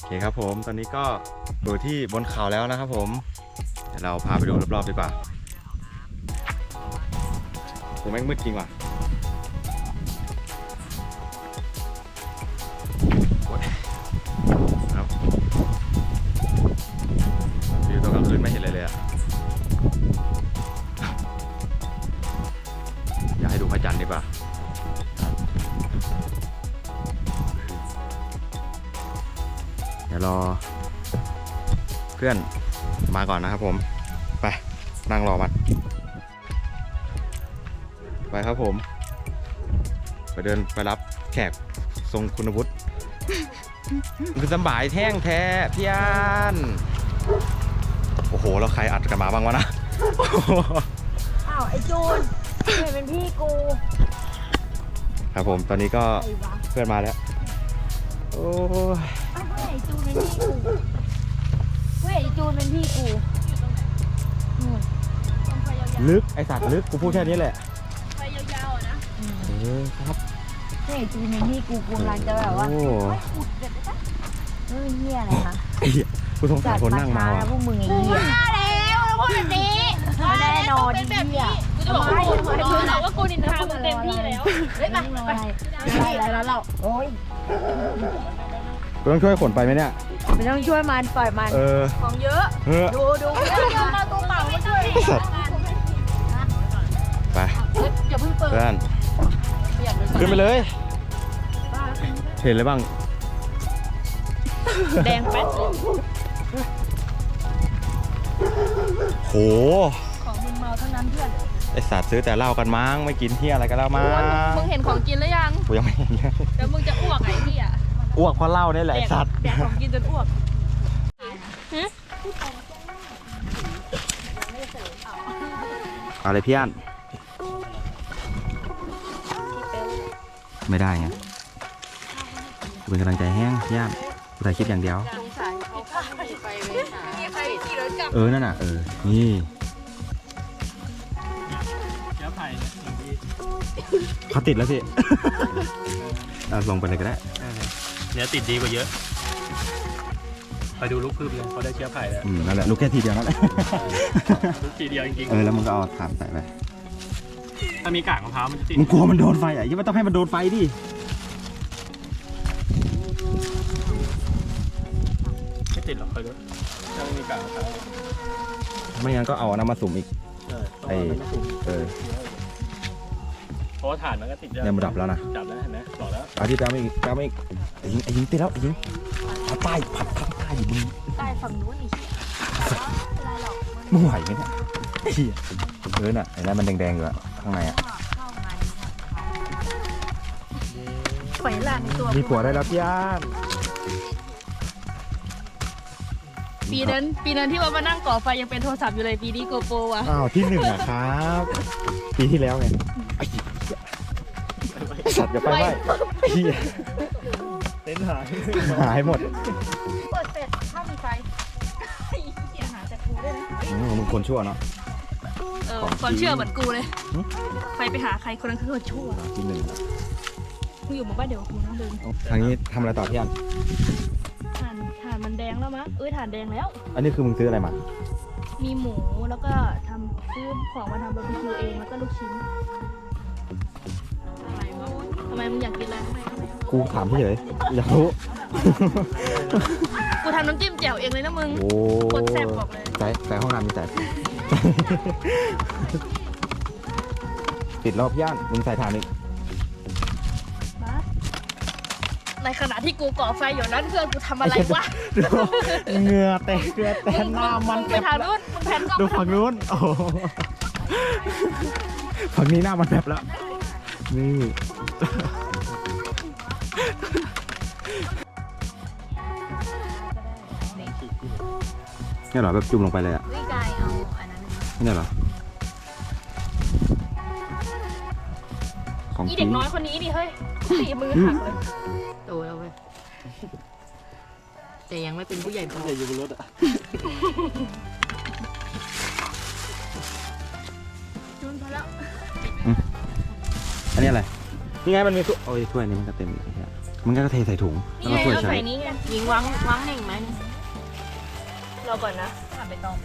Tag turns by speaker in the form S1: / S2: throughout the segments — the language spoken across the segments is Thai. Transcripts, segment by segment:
S1: เคครับผมตอนนี้ก็อยู่ที่บนเขาแล้วนะครับผมเดี๋ยวเราพาไปดูรอบๆดีกว่าผมแม่งมืดจริงว่ะครับอยู่ตรงกลางคืนไม่เห็นเลยอะอยากให้ดูพระจันทร์ดีกว่าเดี๋ยวรอเพื่อนมาก่อนนะครับผมไปนั่งรอมันไปครับผมไปเดินไปรับแขกทรงคุณวุฒิคือสบายแท่งแท้พี่อันโอ้โหแล้วใครอัดกันมาบ้างวะนะ
S2: อ้าวไอ้จูนเป็นพี่กู
S1: ครับผมตอนนี้ก็เพื่อนมาแล้วโอ้ย
S2: อ้าวเพื่อนไอ้จูนเป็นพี่กูเพื่อนไอ้จูนเป็นพี่กู
S1: ลึกไอสัตว์ลึกกูพูดแค่นี้แหละ
S3: ไปยาวๆนะ
S1: ครับ
S2: เพื่อนไอ้จูนเป็นพี่กูกำลังจะแบบว่าไม่อุดเด็ดปะเฮ้ยเหี้ยอะไรคะ
S1: กูสงสารคนนั่งมาว่ะ
S2: พวกมึงไอ้เหี้ย
S3: มาแล้วพูดแบบนี้
S2: แน่นอนเหี้ย
S3: กูจะบอกว่ากูนินทามึงเต็มที่แล้วเฮ้ยไป
S2: แล้วเราโอ้ย
S1: กูต้องช่วยขนไปไหมเนี่ย
S2: ไม่ต้องช่วยมันปล่อยมัน
S3: ของเยอะดูมาตัวเปล่าไม่ช่วย
S1: ไป
S3: อย่าเพิ่งเปิด
S1: เพื่อนขึ้นไปเลยเห็นอะไรบ้าง
S3: แดงแป๊ด
S1: โห
S3: ของมึงเมาเท่านั้นเพื่อน
S1: ไอสัตว์ซื้อแต่เหล้ากันมั้งไม่กินเที่ยอะไรกันแล้วมั้ง
S3: มึงเห็นของกินหรือยัง
S1: กูยังไม่เห็นเลย
S3: เดี๋ยวมึงจะอ้วกไอ้ที่อ่ะ
S1: อ้วกเพราะเหล้านี่แหละไอสัตว์
S3: แดกของกินจนอ้วก
S1: อะไรพี่อันไม่ได้ไงกูเป็นกำลังใจแห้งพี่อันกูถ่ายคลิปอย่างเดียวนั่นน่ะนี่เขาติดแล้วพี่ลงไปเลยก็ได้
S4: เนื้อติดดีกว่าเยอะไปดูลูกพืชเลยเขาได้เชื้อไผ่แล้ว
S1: นั่นแหละลูกแค่ทีเดียวนั่นแหละ
S4: ลูกทีเดียวจริง
S1: ๆแล้วมึงก็เอาถ่านใส่ไป
S4: ถ้ามีกากมะพร้าวมันจะติด
S1: มึงกลัวมันโดนไฟอ่ะยังไม่ต้องให้มันโดนไฟดิ
S4: ไม่ติดหรอกเคยดูถ้าไม่มีกากมะพร้าว
S1: ไม่งั้นก็เอาน้ำมาสุ่มอีก
S4: เพราะว่าถ่านมันก็ติด
S1: เนี่ยมันดับแล้วนะ
S4: ดับแล้วเห็นไหมบอกแล้ว
S1: อาทิตย์แล้วไม่อีกไอ้ยิงติดแล้วไอ้ยิงใต้ผัดใต้อยู่มึง
S3: ใต้ฝั่งนู้นอีก
S1: มึงไหวไหมเนี่ยน่ะไอ้นั่นมันแดงๆอยู่อะข้างในอะ
S3: ไฟลานตัว
S1: มีผัวได้แล้วพี่อัน
S3: ปีนั้นที่ว่ามานั่งก่อไฟยังเป็นโทรศัพท์อยู่เลยปีนี้โกโปรว่ะ
S1: อ้าวที่1อะครับปีที่แล้วไงสัตว์อย่าไปไหม
S4: เต้นห
S1: ายหมด
S3: เปิดเสร็จถ้ามีไฟหาจากกูได้ไหม
S1: มึงคนชั่วเนาะ
S3: ความเชื่อเหมือนกูเลยใครไปหาใครคนนั้นคือคนชั่ว
S1: ที่1
S3: มึงอยู่หมู่บ้านเดี๋ยวกูนั่งเดิน
S1: ทางนี้ทำอะไรต่อพี่อัน
S3: ถ่านมันแดงแล้วมั้งถ่านแดงแล้ว
S1: อันนี้คือมึงซื้ออะไรมา
S3: มีหมูแล้วก็ซื้อของมาทำบาร์บีคิวเองแล้วก็ลูกชิ้นทำไมมึงอยากกินอะไร
S1: กูถามพี่เลยอยากรู้
S3: กูทำน้ำจิ้มแจ่วเองเลยนะมึงโคตรแซ่บบอกเลย
S1: ใส่ห้องน้ำมีใส่ติดรอบย่านมึงใส่ถ่านอีก
S3: ในขณะที่กูก่อไฟอยู่นั้นเพื่อนกูทำอะไรวะ
S1: เหงื่อแตกหน้ามัน
S3: ไปทางนู้นมึงแผ่นกล้อง
S1: ดูฝั่งนู้นโอ้ฝั่งนี้หน้ามันแบบแล้วนี่นี่เหรอแบบจุ่มลงไปเลยอ่ะ
S3: วิกายเอาอันนั้น
S1: นี่เหรอ
S3: อีเด็กน้อยคนนี้ดิเฮ้ยตีมือหักเลย
S2: โตแล้วเว้ยแต่ยังไม่เป็นผู้ใหญ่พอ
S4: อยู่บนรถอ่ะ
S3: จุนพอแล้ว
S1: อันนี้อะไรนี่ไงมันมีถ้วยนี่มันก็เต็มอีกทีมึงก็เทใส่ถุง
S3: นี่
S1: แล้ว
S3: ไง
S1: ก็ช่วย
S3: เอา
S1: ใช้
S3: ใส่นี้ไง
S2: หญิงวางแห่งไหม
S3: รอก่อนนะ
S2: ผ่านไปตอง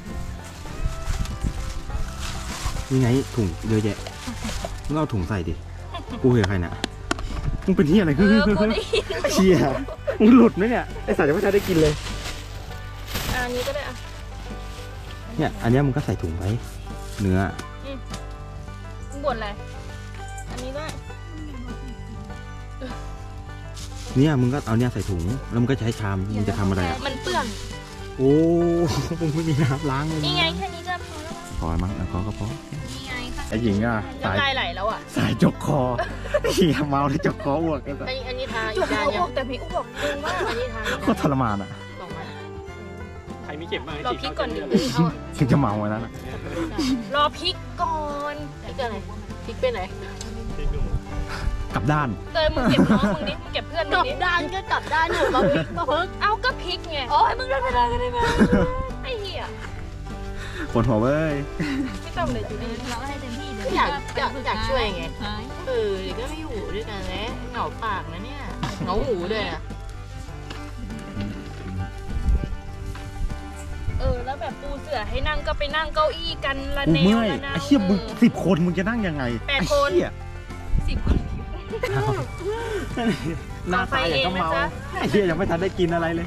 S1: นี่ไงถุงเยอะแยะมึงเอาถุงใส่ดิกูเห็นใครเนี่ยมึงเป็นที่อะไร
S3: กูได้ยิน
S1: เชี่ยมึงหลุดไหมเนี่ยไอสัตว์ยังไม่ทันได้กินเลย
S3: อันนี้ก็ได้อะ
S1: เนี่ยอันเนี้ยมึงก็ใส่ถุงไว้เนื้อ
S3: มึงบ่นอะไรอันนี้ด้วย
S1: เนี่ยมึงก็เอาเนี่ยใส่ถุงแล้วมึงก็ใช้ชามมึงจะทำอะไรอ่ะ
S3: มันเปื้อน
S1: โอ้ มึงไม่มีน้ำล้างเลย
S3: นี่ไงแค่นี้ก็พอแล้ว
S1: พอมั้งพอก็พอ
S3: นี่ไงค่ะ
S1: ไอหญิงอ่ะสาย
S3: น้ำลายไหลแล้วอ่ะ
S1: สายจกคอเฮียเมาแล้วจกคออ้วกกัน
S3: อันนี้ทาอีกจานยังแต่พี่อุ๊บบอกมึงว่าอันนี้ทา
S1: โคตรทรมานอ่ะ
S3: บอกมา
S4: ใครมีเข็มบ้าง
S3: รอพริกก่อนดิ
S4: เอา
S1: ถึงจะเมาไว้นั้นอะ
S3: รอพริกก่อนพริกอะไรพริกเป็นไหน
S1: กลับด้าน
S3: เตยมึงเก็บน้องมึงดิมึงเก็บเพื่อนมึ
S2: กลั
S3: ง
S2: บ
S3: ดิ
S2: ด้านก็กลับด้านหนึ่งมาพลิกมาเพิ่ง
S3: เอาก็พริกไง
S2: โอ้ยมึงได้เวลากันได้ไหม
S3: ไอ้เหี้ย
S1: ปวดหัวเว้ย
S3: ไม่ต้องเลยจูดี้
S2: เราให้เต็มที่
S3: อยากช่วยไง
S2: ใช่
S3: เดี๋ยวก็ไม่อยู่ด้วยกันแล้วเหงาปากนะเนี่ยเหงาหูด้วยนะแล้วแบบปูเสือให้นั่งก็ไปนั่งเก้าอี้กันละ
S1: กู
S3: แนว
S1: เมื่อย
S3: ละนาว
S1: ไอ้เชี่ยมึง10 คนมึงจะนั่งยังไง
S3: 8 คน
S1: ไอ้เหี้ย
S3: 10 คน
S1: หน้าตาอย่างก็เมา
S3: ขอไฟเองนะจ๊ะ
S1: ไอ้เชี่ยยังไม่ทันได้กินอะไรเลย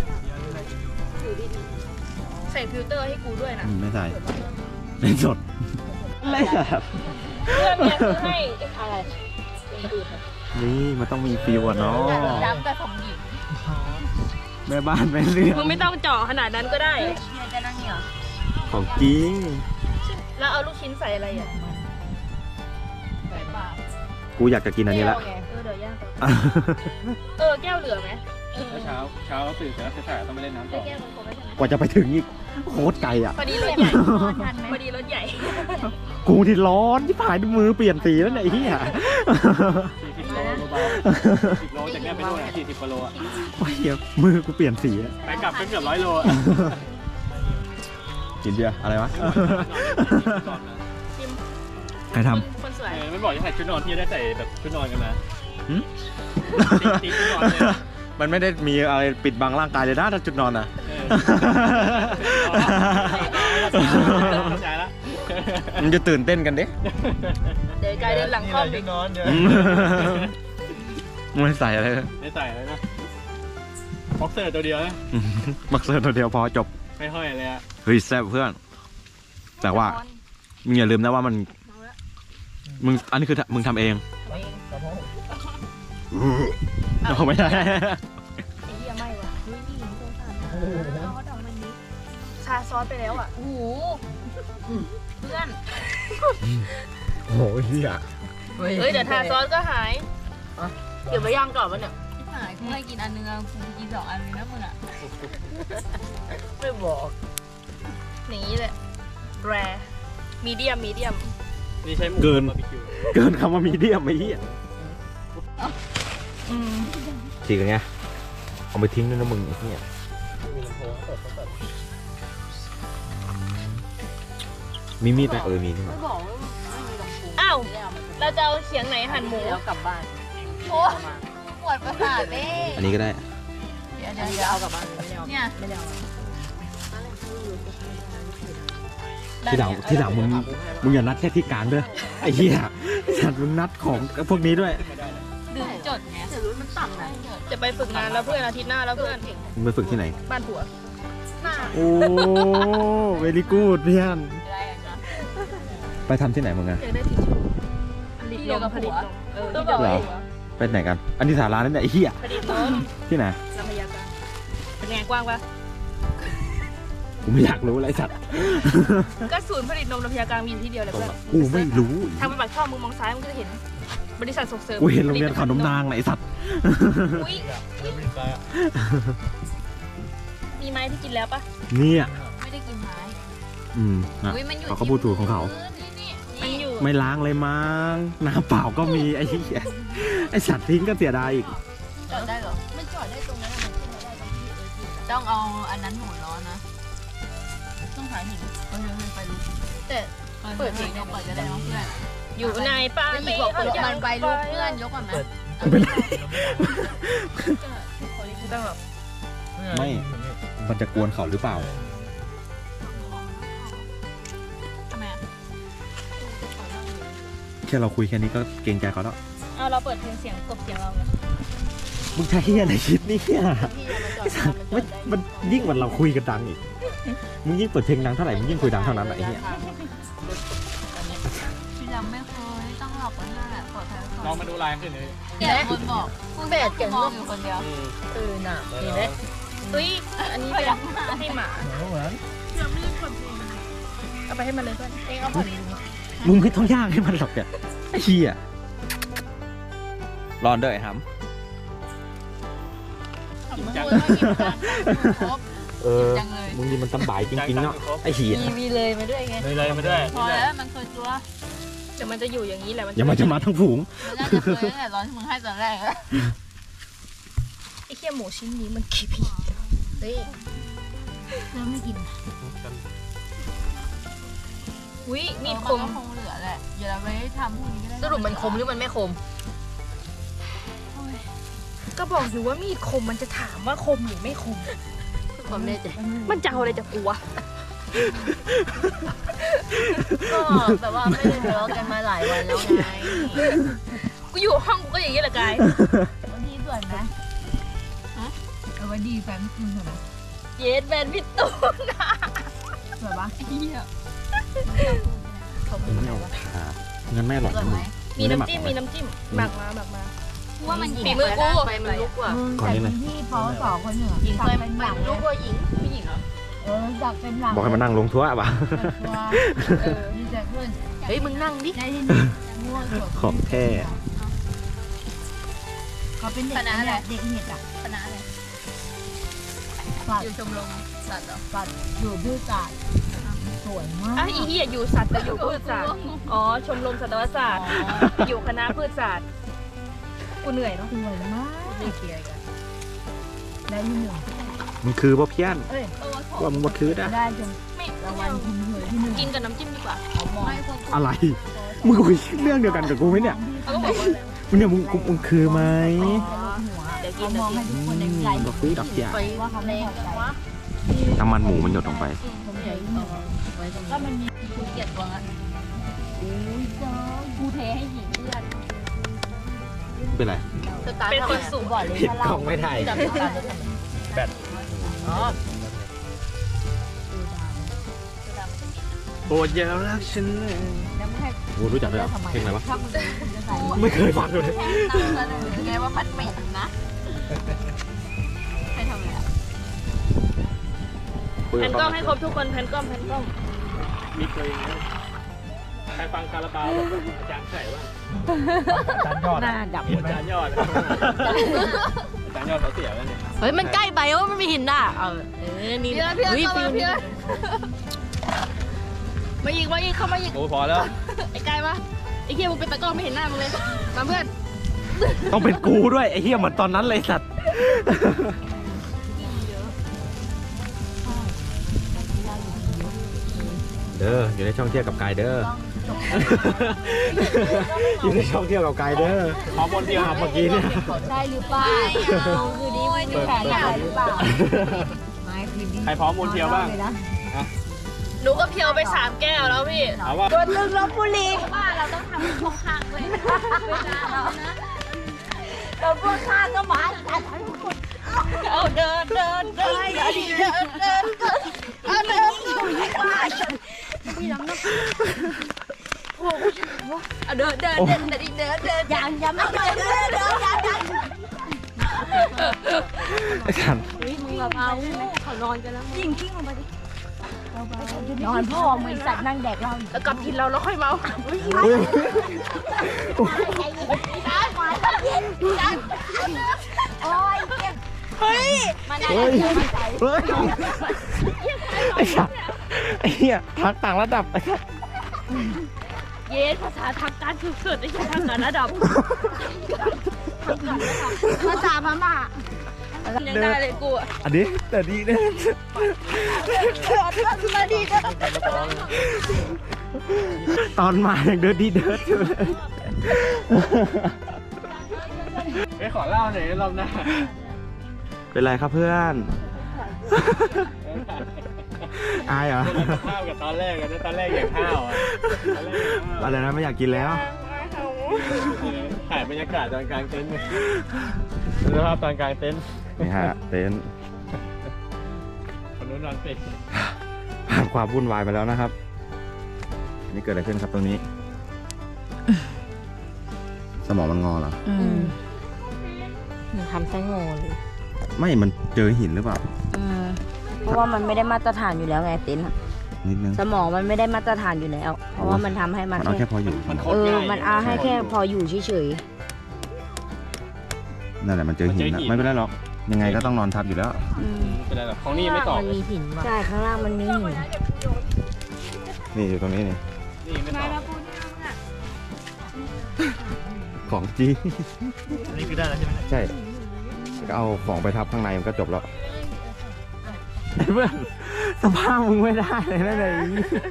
S3: ใส่ฟิลเตอร์ให้กูด้วยนะ
S1: ไม่ใส่เล่นสดเล่นแบบ
S3: เพื่อนเนี่ยคือให้อะไร
S1: นี่มันต้องมีฟิวอ่ะเนาะ
S2: ดำกับสมหญิง
S1: แม่บ้านแม่เรือน
S3: มึงไม่ต้องเจาะขนาดนั้นก็ได้
S2: เฮียจะนั่งเหรอ
S1: ของจริง
S3: แล้วเอาลูกชิ้นใส่อะไรอ่ะ
S2: ใส่ปาก
S1: กูอยากจะกินอันนี้ละ
S3: แก้วไงเดี๋ยวย่างแก้วเหลือไหม
S4: เช้าตื่นเสร็จแล้วถ่ายต้องไปเล่นน้ำต่อ
S3: แก้วมันครบแล้วใช่ไหม
S1: กว่าจะไปถึงอีกโคตรไกลอ่ะ
S3: พอดีรถใหญ่
S2: ทันไหม
S3: พอดีรถใหญ่
S1: กูที่ร้อนที่ผายมือเปลี่ยนสีแล้วเนี่ยไอ้เหี้ย
S4: 40 โลเบาๆ10 โลจากเนี้ยไปนู่นอะ40 กว่าโลอะ
S1: โอ้ยเหี้ยมือกูเปลี่ยนสีอะ
S4: ไปกลับก็เกือบ100 โลอะ
S1: กินเบียร์อะไรวะ
S3: ชิม
S1: ใครท
S3: คนสวย
S4: ไม่บอกจะใส่ชุดนอนที่จะได้ใส่แบบชุดนอนกันมา
S1: หืม
S4: ติ๊กชุดนอนเลย
S1: มันไม่ได้มีอะไรปิดบังร่างกายเลยนะถ้าจุดนอนอ่ะ
S4: เข้าใจละ
S1: มันจะตื่นเต้นกันดิ
S3: เดี๋ยวกลายเดินหลังคอมอีก
S4: นอนเดี๋ยว
S1: ไม่ใส่อะไรเลย
S4: ไม่ใส่เลยนะบ็อกเซอร์ตัวเดียวนะ
S1: บักเซอร์ตัวเดียวพอจบ
S4: ไม่ห้อยเลยอะ
S1: เฮ้ยแซ่บเพื่อน แต่ว่ามึงอย่าลืมนะว่ามันมึงอันนี้คือมึงทำเองเอาไม่ได้
S3: ไอ้เหี้ยไม่ว่ะเฮ้ยนี่สงสารนะเอาเขาดอกมันนี้ชาซอสไปแล้วอ่ะโอ้โหเพื่อน
S1: โอ้ยเหี้ย
S3: เฮ้ยเดี๋ยวทาซอสก็หายเดี๋ยวไปย่างก่อนวะเนี่ย
S2: หายกูให้กินอันนึงกูกิน2 อันเลยนะมึงอ่ะ
S3: ไม่บอกนี่แหละแรมีเดียม
S4: นี่ใช้หมูบาร์บีคิว
S1: เกินคำว่ามีเดียมไอ้เหี้ยฉีกอย่างเงี้ยเอาไปทิ้งด้วยนะมึงไอ้เหี้ย มีมีดไหมมีนี่หว่า
S2: ไม่บอกว่าไม่มีลำโพง
S3: อ้าวเราจะเอาเขียงไหนหั่นหมู
S2: แล้วกลับบ้านโอ้ปวดประสาทเด้
S1: อันนี้ก็ได้
S2: เดี๋ยวเอากลับบ้านเนี่ย
S3: ไม่ได้เอา
S1: ที่หลังมึงอย่านัดแค่ที่กลางด้วยไอ้เหี้ยฉันมึงนัดของพวกนี้ด้วย
S2: ดึงจดไงแต่รู้มันต่ำนะ
S3: จะไปฝึกงานแล้วเพื่อนอาทิตย์หน้าแล้วเพื่อน
S1: มึงไปฝึกที่ไหน
S3: บ้านผัวหน้า
S1: โอ้เวลี่กูดเพื่อน
S2: อะไรอ่ะจ๊ะ
S1: ไปทำที่ไหนมึงอะ
S3: อยากได้ทิชชู่ผลิตนมผลิตนมที่เดียว
S1: เหรอ ไปไหนกัน อันนี้สารานั่นแหละไอ้เหี้ย
S3: ผลิตนม
S1: ที่ไหน
S3: ลำพญากลางเป็นไงกว้างปะ
S1: กูไม่อยากรู้อะไรสัตว์
S3: ก็ศูนย์ผลิตนมลำพญากลางมีอยู่ที่เดียวเลยเพื่อน
S1: กูไม่รู้
S3: ทางไปปากช่องมึงมองซ้ายมึงก็จะเห็น บริษัทส่งเสริม
S1: กูเห็นโรงเรียนขนมนางไหนสัตว์
S3: อุ๊ยมีไม้ที่กินแล้วปะ
S1: เนี่ย
S2: ไม่ได้กินไม้
S1: นะ
S2: อุ้ยมันอยู่
S1: เขาก็พูดถูกของเขา
S3: มันอยู่
S1: ไม่ล้างเลยมั้งน้ำเปล่าก็มีไอ้เหี้ยไอ้สัตว์ทิ้งก็เสียดายอีก
S2: จอดได้เหรอมันจอดได้ตรงนั้นมันขึ้นมาได้ตรงที่ต้องเอาอันนั้นหมุนล้อนะต้องถ่ายหินไปรู้แต่เปิดเพลงเปิดก็ได้น้องเพื่อน
S3: อยู่ในป่า
S2: ไม่บอกมันไปลูกเพื่อนยกก่อนไหม
S1: เป็นไร
S3: ต้องแบบ
S1: ไม่ มันจะกวนเขาหรือเปล่า
S2: ทำไมอ่ะ
S1: แค่เราคุยแค่นี้ก็เกรงใจเขาแล้ว
S3: เอาเราเปิดเพลงเสียงกบเสียงเราไง
S1: มึงใช้เฮียอะไรคิดนี่เนี่ย
S2: พี่จะมาจอดรอ
S1: มันยิ่งกว่าเราคุยกันดังอีก มึงยิ่งเปิดเพลงดังเท่าไหร่ มึงยิ่งคุยดังเท่านั้นแหละไอ้เหี้ย
S2: พี่ยังไม่เคยต้องหลอกคนนั่นแหละปลอดภัยไว้ก่อน
S4: ลองมาดูลายขึ้นเลย
S2: แกคนบอกคุณเบสเก่งมองอยู่คนเดียว
S3: น่ะเห็นไหมอุ้ยอันนี้เป็นให้หมาเอาไปให้มันเลยเพื่อนเองเอาไปเลย
S1: มึงไม่ต้องย่างให้มันหรอกเนี่ยไอ้เหี้ยร้อนเด้อไอ้ฮัม
S2: มึงพูดว่ากินจานครบ จังเลย
S1: มึงนี่มันสบายจริงๆเนาะ ไอ้เหี้ย
S3: มีเลยมาด้วยไง
S4: เลยมาด้วย
S2: พอแล้วมันเคยตัว
S3: เดี๋ยวมันจะอยู่อย่างนี้แหละ
S1: อย่ามาจะมาทั้งฝูง
S2: มันน่าจะเคยตั้งแต่ตอนที่มึงให้ตอนแรกแล้ว
S3: ไอ้เคี้ยหมูชิ้นนี้มันกี่ปีเฮ้ย
S2: เริ่มไม่กิน
S3: อุ้ยมีดค
S2: ก็
S3: ม
S2: คงเหลือแหละอย่าเราไปทำพวกนี้ก็ได้
S3: สรุปมันคมหรือมันไม่คม ก็บอกอยู่ว่ามีดคมมันจะถามว่าคมหรือไม่คม
S2: ความแน่ใจ
S3: มันจะเอาอะไรจากกูวะ
S2: ก็แบบว่าไม่ได้ทะเลาะกันมาหลายวันแล้วไง
S3: กูอยู่ห้องกูก็อย่างนี้แหละกาย
S2: วันนี้ส่วนไหมเอาไว้ดีแฟนคุณเหรอ
S3: เยสแฟนพี่ตูนนะ
S2: สวยปะเฮีย
S1: งั้นไม่อร่อย
S2: สวย
S1: นะ
S2: ไห
S1: มึ
S2: ม
S1: ง
S3: มีน้ำจิ้มหมักมา
S2: ว่ามัน
S3: ฝีมือกู
S2: ไปมันลุกว่ะ
S1: ก่อนนี้เลย
S2: ที่เขาสองคนเหนือหญิงเคยเป็นหลังลุกว่าหญิงผู้หญิงเหรออยากเป็นหลัง
S1: บอกให้มานั่งลงทั่วป่ะ
S2: ดีใจขึ้น
S3: เฮ้ยมึงนั่งดิ
S2: ได้ที่นี่ง่วง
S1: ของแท้
S2: เขาเป็นเด็กอะไรเด็กเห็ดอ่ะคณะอะไรอยู่ชมรมสัตว์เหรอสัตว์อยู่พืชศาสตร์สวยมาก
S3: อ่ะอีเหี้ยอยู่สัตว์แต่อยู่พืชศาสตร์อ๋อชมรมสัตวศาสตร์อยู่คณะพืชศาสตร์กูเหนื่อยเนาะ
S2: สวยมากไม่เคลียร์กันได้ที่หนึ่ง
S1: มึงคือบ่เพี้ยน
S2: เอ้ย
S1: ว่ามึงบ่คือนะ
S2: ได้จน
S3: ไม่
S2: รางวัลคุณเหยที่หนึ่ง
S3: กินกับน้ำจิ้มดีกว่า
S2: ไม่คน
S1: อะไร มึงคุยเรื่องเดียวกันกับกูไหมเนี่ย
S3: เขาก็บอกว่าอะไร
S1: มึงเนี่ยมึงคือไหม
S3: เดี๋ยวกิ
S2: เขา
S3: น
S2: มองให้ทุกคนในใจ
S1: บ่คือดอกเสีย
S2: ว่าเขาไม่พอใจ
S1: น้ำมันหมูมันหยดลงไป
S2: ผมใหญ่ก็มันมีกูเกลียดตัวนั้นอุ้ยเจ้ากูเทให้หญิงเลือด
S1: เป็นไร
S3: เป็นคนสูง
S2: บ่อยเลย
S1: ผิดกล้องไม่ถ่าย
S2: จับตาจะทำไม
S4: แบต
S2: อ๋อ
S1: โปรดอย่ารักฉันเลย
S2: แล้วไม่ให้
S1: โอ้รู้จักด้วยเหรอเพลงอะไรวะ
S2: ถ้ามึงจะใส่
S1: ไม่เคยฟังเลย
S2: แค่นำเสนอไงว่ามันเหม็นนะให้ทำอะไรอ่ะ
S3: แผ่นกล้องให้ครบทุกคนแผ่นกล้อง
S4: มีเคยใครฟังคาราบาวอาจารย์ใส่ว่าอาจารย์ยอด
S3: หน้าดับ
S4: อาจารย์ยอดอาจารย์ยอดเขาเสียแล้วเนี่ย
S3: เฮ้ยมันใกล้ไปว่ามันไม่เห็นหน้านี่
S2: เพื่อน
S3: ฟิลนี้มาอีกเข้ามาอีก
S4: โอ้พอแล้ว
S3: ไอ้กายปะไอ้เคียมึงเป็นตะกร้อไม่เห็นหน้ามึงเลยมาเพื่อน
S1: ต้องเป็นกูด้วยไอ้เหี้ยเหมือนตอนนั้นเลยสัตว์เด้ออยู่ในช่องเที่ยวกับกายเด้ออยู่ในช่องเที่ยวกับกายเด้อ
S4: ขอบนเดียว
S1: เมื่อกี้เนี่ย
S2: ใช่หรือเปล่าคือดีมีแผนอะไรหรือเปล่าไม่คือดี
S4: ใครพร้อมมนเทียวบ้าง
S3: หนูก็เพียวไป3 แก้วแล้วพี่
S4: เอาว่า
S2: ตัวตึงลบบุรีว่าเราต้องทำช่วงข้างเลยเวลาเรานะเราพวกข้างก็มาทุกคน
S3: เอาเดินเดินเดินเดินเดินเดินเอาเดินเอาเดินเดินเดินเดินเดินเดิน
S2: ยังไม่ไปเลยเดี๋ยวยัง
S1: ไอ้สัน
S3: มึงแบบเอาเขานอนกันแล้วยิงกิ้งลงไปดิ
S2: นอนพ่อมึงสัตว์นั่งแดกเรา
S3: แล้วกลับกินเราแล้วค่อยเมา
S2: โอ้ย
S3: เฮ้ย
S2: มัน
S1: เฮ้ยเฮ้ยไอ้สัตว์ไอ้เหี้ยพักต่างระดับไอ้สัตว์
S3: เยสภาษาทางการสุดๆไอ้ทางการระดับ
S2: ภาษาพม่า
S3: ยังได้เลยกูอ่ะ
S1: อันนี้แต่ดีนะตอนมายังเดินดีเดินอยู่เลย
S4: ไปขอเล่าหน่อยรอบหน้า
S1: เป็นไรครับเพื่อน อายเหรอ
S4: ข้าวกับตอนแรกกันตอนแรกอยากข้าวอ่ะตอนแรกอยากข้าว
S1: อะไรนะไม่อยากกินแล้ว
S4: ถ่ายบรรยากาศตอนกลางเต็นท์เลยสภาพตอนกลางเต็นท์
S1: นี่ฮะเต็นท์
S4: คนนู้นนอนเป็ด
S1: ผ่านความวุ่นวายไปแล้วนะครับ นี่เกิดอะไรขึ้นครับตรงนี้ สมองมันงอเหรอ
S2: ทำไส้งอเลย
S1: ไม่มันเจอหินหรือเปล่า
S2: เพราะว่ามันไม่ได้มาตรฐานอยู่แล้วไงเต็นท์อะ
S1: นิดนึง
S2: สมองมันไม่ได้มาตรฐานอยู่แล้ว เพราะว่ามันทำให้มั
S1: มัน นเอาแค่พออยู่
S4: มันโค
S2: เอ
S4: ตร
S2: อ
S4: ง่าย
S2: มันเอาให้แค่พออยู่เฉย
S1: นั่นแหละมันเจอหิน
S4: มันเจอ
S1: นะ
S4: หิน
S1: ไม่เป็นไรหรอก ยังไงก็ต้องนอนทับอยู่แล้ว
S2: ๆ
S4: ไม่เป็นไรหรอกของนี่ไม่ตอบ
S2: มันมีหินใช่ข้างล่างมันมีหิน
S1: นี่อยู่ตรงนี้นี่
S4: นี่ไม่ตอบ
S1: ของจริง
S4: นี่คือได้แล้วใช่ไหม
S1: ใช่ ก็เอาของไปทับข้างในมันก็จบแล้วเพื่อนสภาพมึงไม่ได้เลยนะเลย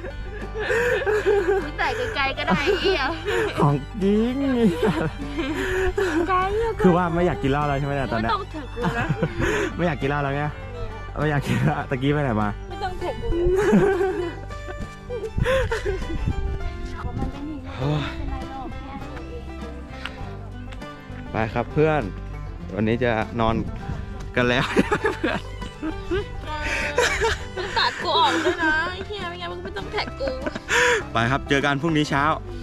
S3: ใส่ไกลๆก็ได้เหี้ย
S1: ของจริง
S3: ไกล
S1: คือว่าไม่อยากกินเหล้าแล้วใช่ไหมเนี่ยตอนเนี้ย
S3: ไม่ต้องเถอะกูนะ
S1: ไม่อยากกินเหล้าแล้วไงไม่อยากกินแล้วตะกี้ไปไหนมา
S3: ไม่ต้องเถอะกูมันเป็นหินไม่เป็นไรหรอกแค่ตัวเอง
S1: ไปครับเพื่อน วันนี้จะนอนกันแล้ว
S3: มึงตัดกูออกด้วยนะไอ้เหี้ยไม่งั้นมึงไม่ต้องแท็กกู
S1: ไปครับเจอกันพรุ่งนี้เช้า
S3: ไ